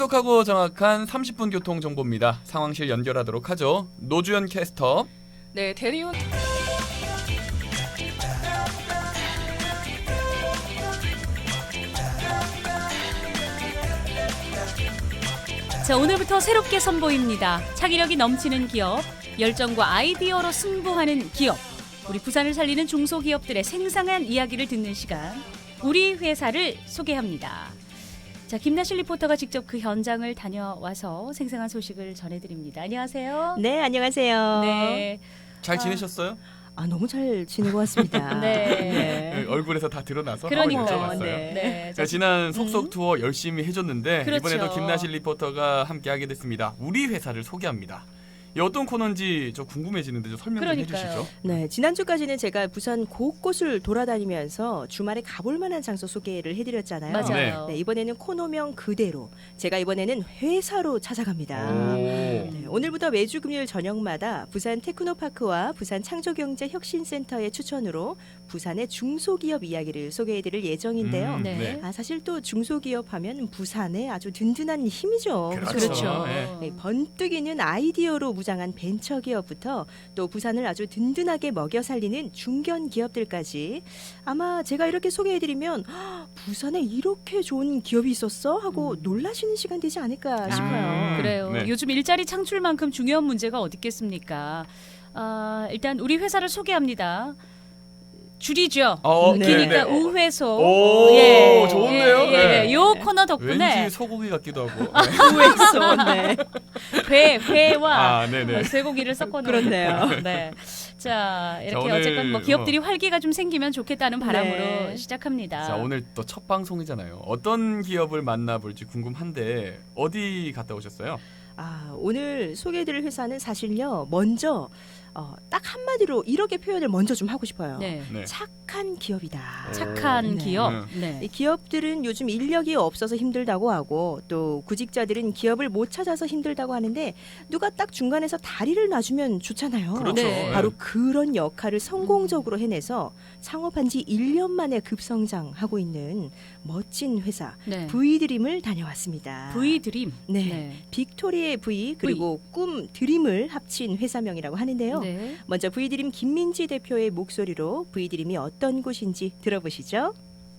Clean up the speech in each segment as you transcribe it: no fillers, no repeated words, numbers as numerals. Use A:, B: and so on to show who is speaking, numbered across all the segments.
A: 똑똑하고 정확한 30분 교통 정보입니다. 상황실 연결하도록 하죠. 노주현 캐스터.
B: 네, 대리운
C: 자, 오늘부터 새롭게 선보입니다. 창의력이 넘치는 기업, 열정과 아이디어로 승부하는 기업. 우리 부산을 살리는 중소기업들의 생생한 이야기를 듣는 시간. 우리 회사를 소개합니다. 자, 김나실 리포터가 직접 그 현장을 다녀와서 생생한 소식을 전해드립니다. 안녕하세요.
D: 네, 안녕하세요.
C: 네.
A: 잘 지내셨어요?
D: 너무 잘 지내고 왔습니다.
C: 네.
A: 얼굴에서 다 드러나서
C: 그러니까요.
A: 한번 여쭤봤어요.
D: 네.
C: 네.
A: 자, 지난 속속 투어 열심히 해줬는데
C: 그렇죠.
A: 이번에도 김나실 리포터가 함께하게 됐습니다. 우리 회사를 소개합니다. 이 어떤 코너인지 저 궁금해지는데 좀 설명 좀
C: 그러니까요.
A: 해주시죠.
D: 네, 지난주까지는 제가 부산 곳곳을 돌아다니면서 주말에 가볼 만한 장소 소개를 해드렸잖아요.
C: 맞아요.
D: 네, 이번에는 코너명 그대로 제가 이번에는 회사로 찾아갑니다.
A: 오.
D: 네, 오늘부터 매주 금요일 저녁마다 부산 테크노파크와 부산 창조경제혁신센터의 추천으로 부산의 중소기업 이야기를 소개해드릴 예정인데요.
C: 네.
D: 사실 또 중소기업 하면 부산의 아주 든든한 힘이죠.
C: 그렇죠.
A: 네.
D: 네, 번뜩이는 아이디어로 무장한 벤처기업부터 또 부산을 아주 든든하게 먹여 살리는 중견 기업들까지 아마 제가 이렇게 소개해드리면 부산에 이렇게 좋은 기업이 있었어? 하고 놀라시는 시간 되지 않을까 싶어요.
C: 그래요.
A: 네.
C: 요즘 일자리 창출만큼 중요한 문제가 어디 있겠습니까? 일단 우리 회사를 소개합니다. 줄이죠.
D: 네.
C: 기니까
A: 네.
C: 우회소.
A: 오, 좋은데요?
C: 예. 요 코너 덕분에
A: 왠지 소고기 같기도 하고.
D: 우회소, 네.
C: 회와
A: 네네.
C: 쇠고기를 섞어놓은
D: 그렇네요.
C: 네. 자, 이렇게
A: 오늘
C: 어쨌건 뭐 기업들이 활기가 좀 생기면 좋겠다는 바람으로
D: 네.
C: 시작합니다.
A: 자, 오늘 또 첫 방송이잖아요. 어떤 기업을 만나볼지 궁금한데 어디 갔다 오셨어요?
D: 오늘 소개해드릴 회사는 사실요, 먼저 딱 한마디로 이렇게 표현을 먼저 좀 하고 싶어요.
C: 네.
A: 네.
D: 착한 기업이다.
C: 착한
D: 네.
C: 기업.
A: 음.
C: 네.
D: 이 기업들은 요즘 인력이 없어서 힘들다고 하고 또 구직자들은 기업을 못 찾아서 힘들다고 하는데 누가 딱 중간에서 다리를 놔주면 좋잖아요.
A: 그렇죠.
C: 네.
D: 바로 그런 역할을 성공적으로 해내서 창업한 지 1년 만에 급성장하고 있는 멋진 회사
C: 네.
D: V드림을 다녀왔습니다.
C: V드림.
D: 네. 빅토리의 V 그리고 꿈 드림을 합친 회사명이라고 하는데요.
C: 네.
D: 먼저 V드림 김민지 대표의 목소리로 V드림이 어떤 곳인지 들어보시죠.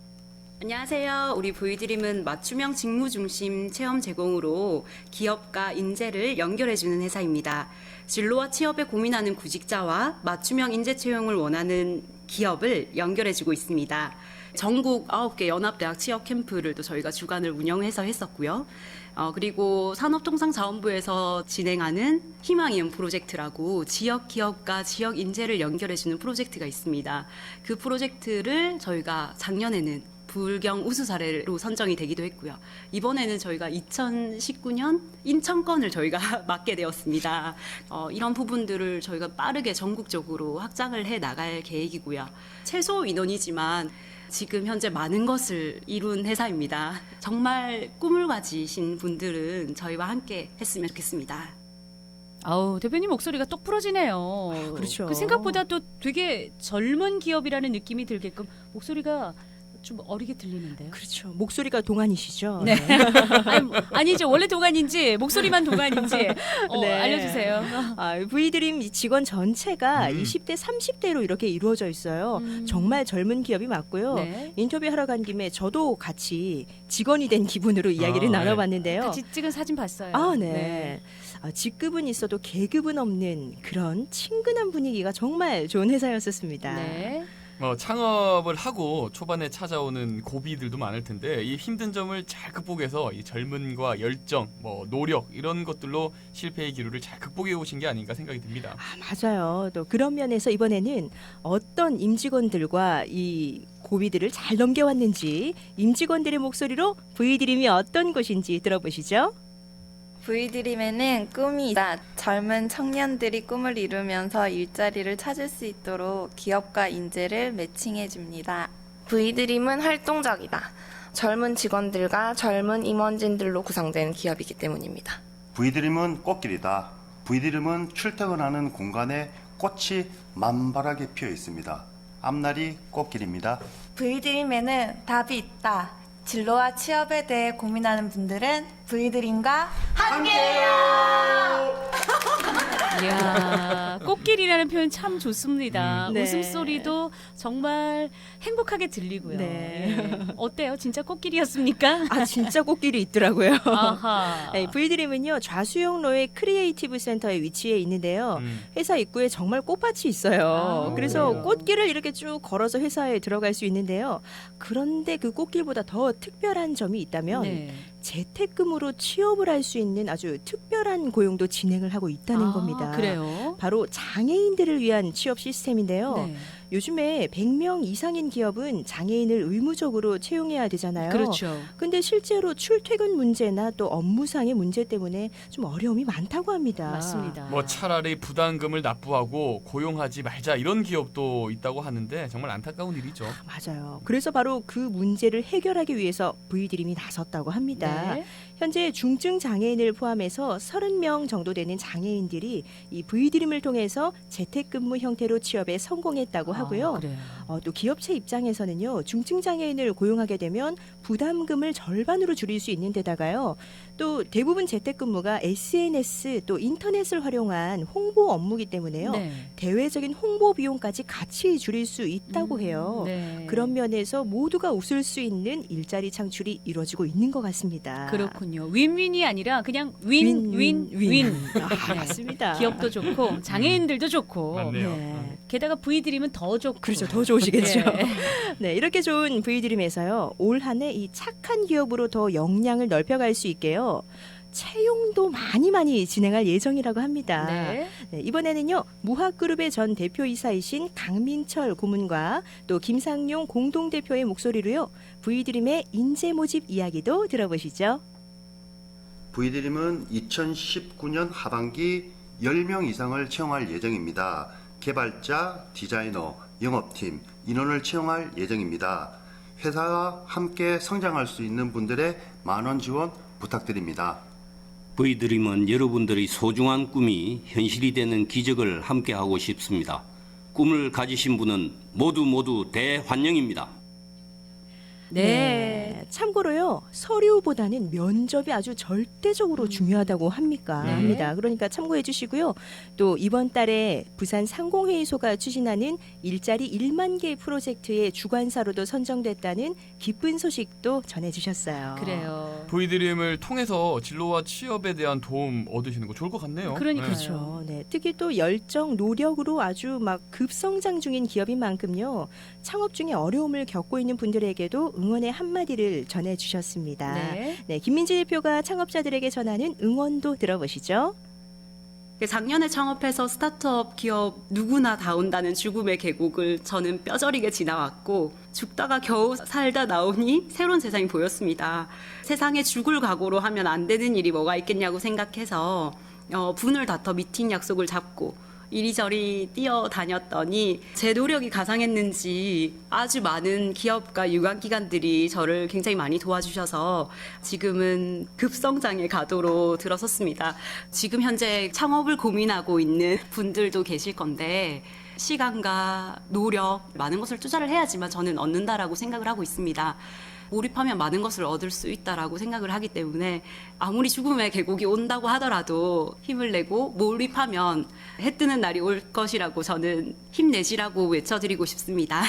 E: 안녕하세요. 우리 V드림은 맞춤형 직무 중심 체험 제공으로 기업과 인재를 연결해주는 회사입니다. 진로와 취업에 고민하는 구직자와 맞춤형 인재 채용을 원하는 기업을 연결해주고 있습니다. 전국 9개 연합대학 취업 캠프를 또 저희가 주관을 운영해서 했었고요. 그리고 산업통상자원부에서 진행하는 희망이음 프로젝트라고 지역 기업과 지역 인재를 연결해주는 프로젝트가 있습니다. 그 프로젝트를 저희가 작년에는 불경 우수 사례로 선정이 되기도 했고요. 이번에는 저희가 2019년 인천권을 저희가 맡게 되었습니다. 이런 부분들을 저희가 빠르게 전국적으로 확장을 해 나갈 계획이고요. 최소 인원이지만 지금 현재 많은 것을 이룬 회사입니다. 정말 꿈을 가지신 분들은 저희와 함께 했으면 좋겠습니다.
C: 아우, 대표님 목소리가 똑 부러지네요.
D: 그렇죠.
C: 그 생각보다 또 되게 젊은 기업이라는 느낌이 들게끔 목소리가 좀 어리게 들리는데요.
D: 그렇죠. 목소리가 동안이시죠?
C: 네. 아니죠. 원래 동안인지 목소리만 동안인지
D: 네.
C: 알려주세요.
D: V드림 직원 전체가 20대, 30대로 이렇게 이루어져 있어요. 정말 젊은 기업이 맞고요.
C: 네.
D: 인터뷰하러 간 김에 저도 같이 직원이 된 기분으로 이야기를
A: 네.
D: 나눠봤는데요.
C: 같이 찍은 사진 봤어요.
D: 네. 직급은 있어도 계급은 없는 그런 친근한 분위기가 정말 좋은 회사였었습니다.
C: 네.
A: 창업을 하고 초반에 찾아오는 고비들도 많을 텐데 이 힘든 점을 잘 극복해서 이 젊음과 열정, 노력 이런 것들로 실패의 기로를 잘 극복해 오신 게 아닌가 생각이 듭니다.
D: 맞아요. 또 그런 면에서 이번에는 어떤 임직원들과 이 고비들을 잘 넘겨왔는지 임직원들의 목소리로 V드림이 어떤 곳인지 들어보시죠.
F: V드림에는 꿈이 있다. 젊은 청년들이 꿈을 이루면서 일자리를 찾을 수 있도록 기업과 인재를 매칭해 줍니다.
G: V드림은 활동적이다. 젊은 직원들과 젊은 임원진들로 구성된 기업이기 때문입니다.
H: V드림은 꽃길이다. V드림은 출퇴근하는 공간에 꽃이 만발하게 피어 있습니다. 앞날이 꽃길입니다.
I: V드림에는 답이 있다.
B: 진로와 취업에 대해 고민하는 분들은 V드림과
C: 이야, 꽃길이라는 표현 참 좋습니다.
D: 네.
C: 웃음소리도 정말 행복하게 들리고요.
D: 네.
C: 네. 어때요? 진짜 꽃길이었습니까?
D: 아 진짜 꽃길이 있더라고요.
C: 아하.
D: 네, V드림은요 좌수영로의 크리에이티브 센터에 위치해 있는데요. 회사 입구에 정말 꽃밭이 있어요.
C: 아,
D: 그래서
A: 그래요?
D: 꽃길을 이렇게 쭉 걸어서 회사에 들어갈 수 있는데요. 그런데 그 꽃길보다 더 특별한 점이 있다면
C: 네.
D: 재택근무로 취업을 할 수 있는 아주 특별한 고용도 진행을 하고 있다는
C: 아,
D: 겁니다.
C: 그래요?
D: 바로 장애인들을 위한 취업 시스템인데요.
C: 네.
D: 요즘에 100명 이상인 기업은 장애인을 의무적으로 채용해야 되잖아요.
C: 그렇죠.
D: 근데 실제로 출퇴근 문제나 또 업무상의 문제 때문에 좀 어려움이 많다고 합니다.
C: 맞습니다.
A: 뭐 차라리 부담금을 납부하고 고용하지 말자 이런 기업도 있다고 하는데 정말 안타까운 일이죠.
D: 맞아요. 그래서 바로 그 문제를 해결하기 위해서 V드림이 나섰다고 합니다.
C: 네.
D: 현재 중증 장애인을 포함해서 30명 정도 되는 장애인들이 이 V드림을 통해서 재택근무 형태로 취업에 성공했다고 하고요.
C: 아, 그래요.
D: 또 기업체 입장에서는요. 중증 장애인을 고용하게 되면 부담금을 절반으로 줄일 수 있는 데다가요. 또 대부분 재택근무가 SNS 또 인터넷을 활용한 홍보 업무이기 때문에요.
C: 네.
D: 대외적인 홍보 비용까지 같이 줄일 수 있다고 해요.
C: 네.
D: 그런 면에서 모두가 웃을 수 있는 일자리 창출이 이루어지고 있는 것 같습니다.
C: 그렇군요. 윈윈이 아니라 그냥 윈윈윈.
D: 아, 맞습니다.
C: 기업도 좋고 장애인들도 좋고.
A: 맞네요.
D: 네.
C: 게다가 V드림은 더 좋고.
D: 그렇죠. 더 좋으시겠죠.
C: 네.
D: 네, 이렇게 좋은 V드림에서요. 올 한 해 이 착한 기업으로 더 역량을 넓혀갈 수 있게요. 채용도 많이 진행할 예정이라고 합니다.
C: 네.
D: 네, 이번에는요. 무학그룹의 전 대표이사이신 강민철 고문과 또 김상용 공동대표의 목소리로요. V드림의 인재 모집 이야기도 들어보시죠.
H: V드림은 2019년 하반기 10명 이상을 채용할 예정입니다. 개발자, 디자이너, 영업팀, 인원을 채용할 예정입니다. 회사와 함께 성장할 수 있는 분들의 많은 지원 부탁드립니다.
I: V드림은 여러분들의 소중한 꿈이 현실이 되는 기적을 함께하고 싶습니다. 꿈을 가지신 분은 모두 대환영입니다.
C: 네.
D: 참고로요. 서류보다는 면접이 아주 절대적으로 중요하다고 합니다. 그러니까 참고해 주시고요. 또 이번 달에 부산 상공회의소가 추진하는 일자리 1만 개 프로젝트의 주관사로도 선정됐다는 기쁜 소식도 전해 주셨어요.
C: 그래요.
A: V드림을 통해서 진로와 취업에 대한 도움 얻으시는 거 좋을 것 같네요.
C: 그러니까요.
D: 그렇죠. 네. 특히 또 열정, 노력으로 아주 막 급성장 중인 기업인 만큼요. 창업 중에 어려움을 겪고 있는 분들에게도 응원의 한마디를 전해주셨습니다.
C: 네.
D: 네, 김민지 대표가 창업자들에게 전하는 응원도 들어보시죠.
E: 작년에 창업해서 스타트업 기업 누구나 다 온다는 죽음의 계곡을 저는 뼈저리게 지나왔고 죽다가 겨우 살다 나오니 새로운 세상이 보였습니다. 세상에 죽을 각오로 하면 안 되는 일이 뭐가 있겠냐고 생각해서 분을 다퉈 미팅 약속을 잡고 이리저리 뛰어다녔더니 제 노력이 가상했는지 아주 많은 기업과 유관기관들이 저를 굉장히 많이 도와주셔서 지금은 급성장의 가도로 들어섰습니다. 지금 현재 창업을 고민하고 있는 분들도 계실 건데 시간과 노력, 많은 것을 투자를 해야지만 저는 얻는다라고 생각을 하고 있습니다. 몰입하면 많은 것을 얻을 수 있다라고 생각을 하기 때문에 아무리 죽음의 계곡이 온다고 하더라도 힘을 내고 몰입하면 해 뜨는 날이 올 것이라고 저는 힘내시라고 외쳐드리고 싶습니다.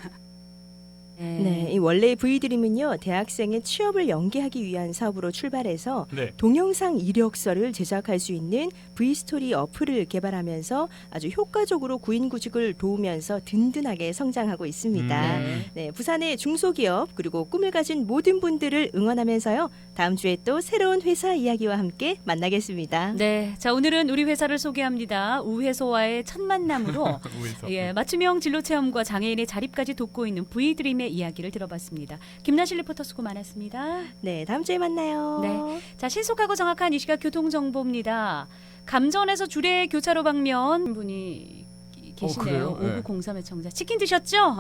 D: 네, 이 원래 V드림은요 대학생의 취업을 연계하기 위한 사업으로 출발해서
A: 네.
D: 동영상 이력서를 제작할 수 있는 V스토리 어플을 개발하면서 아주 효과적으로 구인구직을 도우면서 든든하게 성장하고 있습니다. 네, 부산의 중소기업 그리고 꿈을 가진 모든 분들을 응원하면서요 다음 주에 또 새로운 회사 이야기와 함께 만나겠습니다.
C: 네. 자, 오늘은 우리 회사를 소개합니다. 우회소와의 첫 만남으로
A: 우회소.
C: 예, 맞춤형 진로 체험과 장애인의 자립까지 돕고 있는 V드림의 이야기를 들어봤습니다. 김나실 리포터 수고 많았습니다.
D: 네, 다음 주에 만나요.
C: 네. 자, 신속하고 정확한 이 시각 교통 정보입니다. 감전에서 주례 교차로 방면 분이 계시네요.
A: 그래요? 네.
C: 5903의 청자. 치킨 드셨죠?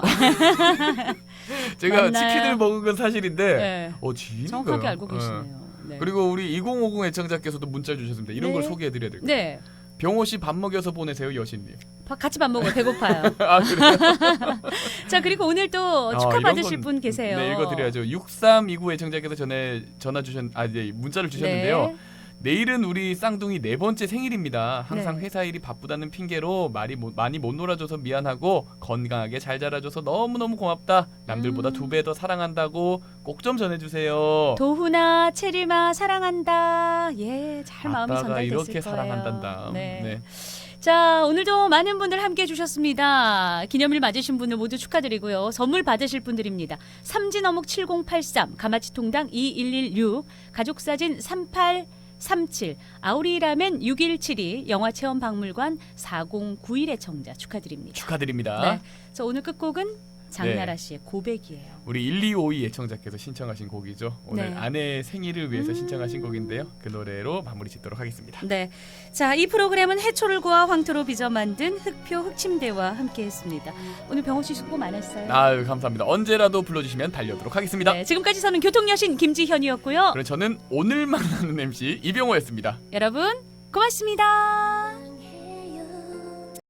A: 제가
C: 맞나요?
A: 치킨을 먹은 건 사실인데
C: 네.
A: 지인인가요?
C: 정확하게 알고
A: 네.
C: 계시네요. 네.
A: 그리고 우리 2050 애청자께서도 문자 주셨습니다. 이런
C: 네.
A: 걸 소개해드려야 될 것
C: 네.
A: 병호 씨 밥 먹여서 보내세요, 여신님.
C: 같이 밥 먹어요. 배고파요.
A: 아, 그래요?
C: 자, 그리고 오늘 또
A: 이런
C: 축하받으실
A: 건-
C: 분 계세요.
A: 네, 읽어드려야죠. 6329 애청자께서 전에 문자를 주셨는데요.
C: 네.
A: 내일은 우리 쌍둥이 4번째 생일입니다. 항상
C: 네.
A: 회사 일이 바쁘다는 핑계로 많이 못 놀아줘서 미안하고 건강하게 잘 자라줘서 너무너무 고맙다. 남들보다 2배 더 사랑한다고 꼭 좀 전해주세요.
C: 도훈아, 체리마 사랑한다. 예, 잘 마음이
A: 아빠가
C: 전달됐을
A: 이렇게
C: 거예요.
A: 사랑한단다.
C: 네. 자, 오늘도 많은 분들 함께 해주셨습니다. 기념일 맞으신 분들 모두 축하드리고요. 선물 받으실 분들입니다. 삼진어묵 7083, 가마치통당 2116, 가족사진 3837, 아우리라멘 6172, 영화체험박물관 4091의 청자 축하드립니다.
A: 축하드립니다.
C: 네. 자, 오늘 끝곡은 장나라 씨의 고백이에요.
A: 우리 1252 애청자께서 신청하신 곡이죠. 오늘
C: 네.
A: 아내의 생일을 위해서 신청하신 곡인데요. 그 노래로 마무리 짓도록 하겠습니다.
C: 네. 자, 이 프로그램은 해초를 구워 황토로 빚어 만든 흑표 흑침대와 함께했습니다. 오늘 병호 씨 수고 많았어요.
A: 아유, 감사합니다. 언제라도 불러주시면 달려오도록 하겠습니다.
C: 네, 지금까지 저는 교통여신 김지현이었고요.
A: 그럼 저는 오늘 만나는 MC 이병호였습니다.
C: 여러분 고맙습니다.